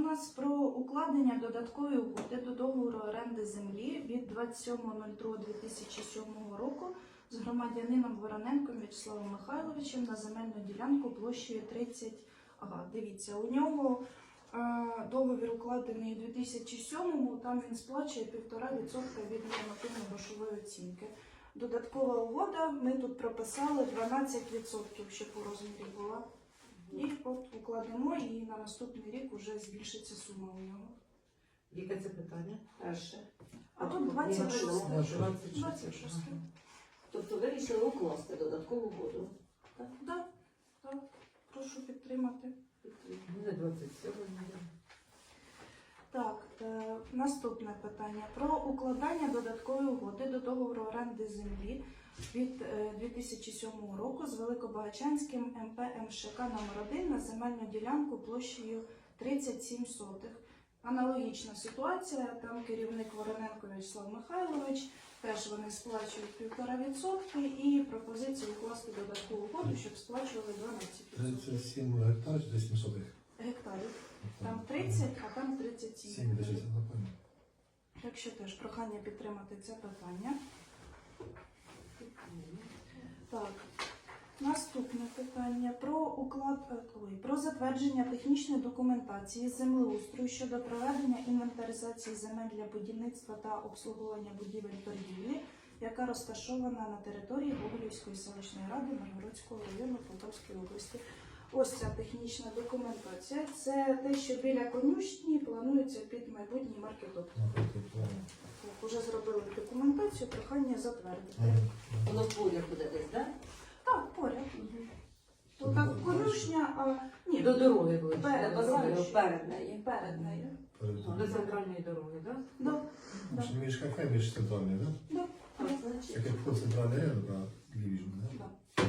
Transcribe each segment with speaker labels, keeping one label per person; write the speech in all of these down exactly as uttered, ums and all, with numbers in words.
Speaker 1: нас про укладення додаткової угоди до договору оренди землі від двадцять сьомого другого дві тисячі сьомого року з громадянином Вороненком В'ячеславом Михайловичем на земельну ділянку площею тридцять. Ага, дивіться, у нього е, договір укладений у дві тисячі сьомому, там він сплачує півтора відсотка від нормативно-грошової оцінки. Додаткова угода, ми тут прописали дванадцять відсотків, щоб у розмірі була. І от укладемо, і на наступний рік вже збільшиться сума у нього.
Speaker 2: Яке це питання? Перше.
Speaker 1: А тут двадцять шість. двадцять шість.
Speaker 2: Тобто ви вирішили укласти додаткову угоду?
Speaker 1: Так, так, так. Прошу підтримати.
Speaker 2: Буде двадцять сьомого.
Speaker 1: Так, е, наступне питання. Про укладання додаткової угоди до договору оренди землі від е, дві тисячі сьомого року з Великобагачанським ем пе ем ше ка номер один на земельну ділянку площею тридцять сім сотих. Аналогічна ситуація, там керівник Вороненко В'ячеслав Михайлович, теж вони сплачують півтора відсотки і пропозиція укласти додаткову угоду, щоб сплачували дванадцять відсотків.
Speaker 3: тридцять сім гектарів чи сім сотих?
Speaker 1: Гектарів. Там тридцять, а там тридцять сім.
Speaker 3: сім десять, напевно.
Speaker 1: Якщо теж прохання підтримати це питання. Так, наступне питання про уклад ой, про затвердження технічної документації з землеустрою щодо проведення інвентаризації земель для будівництва та обслуговування будівель торгівлі, яка розташована на території Гоголівської селищної ради Миргородського району Полтавської області. Ось ця технічна документація. Це те, що біля конюшні планується під майбутній маркетоп. Уже зробили документацію, прохання затвердити.
Speaker 2: Воно поряд буде десь, так?
Speaker 1: Так, поряд. Отак конюшня, а ні,
Speaker 2: До дороги буде.
Speaker 1: Перед,
Speaker 2: До дороги,
Speaker 1: перед.
Speaker 2: перед нею.
Speaker 1: перед нею.
Speaker 2: До центральної дороги, так?
Speaker 1: Да, да,
Speaker 3: Між кафе, між центральною, так?
Speaker 1: да, да.
Speaker 3: Так як вход центральний, на лівіжну, так?
Speaker 1: Да.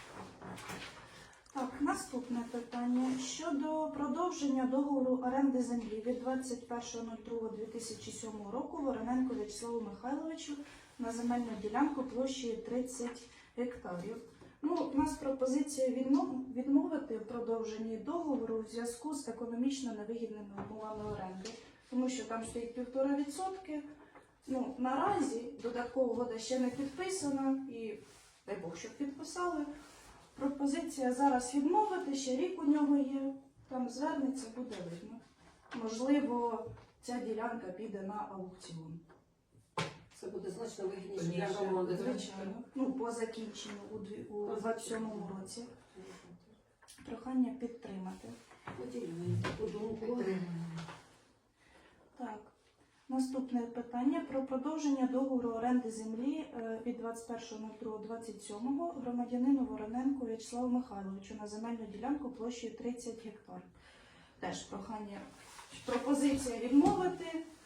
Speaker 1: Так, наступне питання. Щодо продовження договору оренди землі від двадцять першого другого дві тисячі сьомого року Вороненку В'ячеславу Михайловичу на земельну ділянку площею тридцять гектарів. Ну, у нас пропозиція відмов- відмовити в продовженні договору в зв'язку з економічно невигідними умовами оренди, тому що там стоїть півтора відсотки. Ну, наразі додаткова угода ще не підписана і, дай Бог, щоб підписали. Пропозиція зараз відмовити, ще рік у нього є, там звернеться, буде видно. Можливо, ця ділянка піде на аукціон.
Speaker 2: Це буде значно вигідніше для
Speaker 1: Звичайно.
Speaker 2: громади.
Speaker 1: Звичайно. Ну, по закінченню у дві- у двадцять сьомому році. Прохання підтримати.
Speaker 2: Поділюємо таку думку.
Speaker 4: Підтримуємо.
Speaker 1: Так. Наступне питання про продовження договору оренди землі е, від двадцять першого другого двадцять сьомого громадянину Вороненку В'ячеславу Михайловичу на земельну ділянку площею тридцять гектар. Теж прохання, пропозиція відмовити,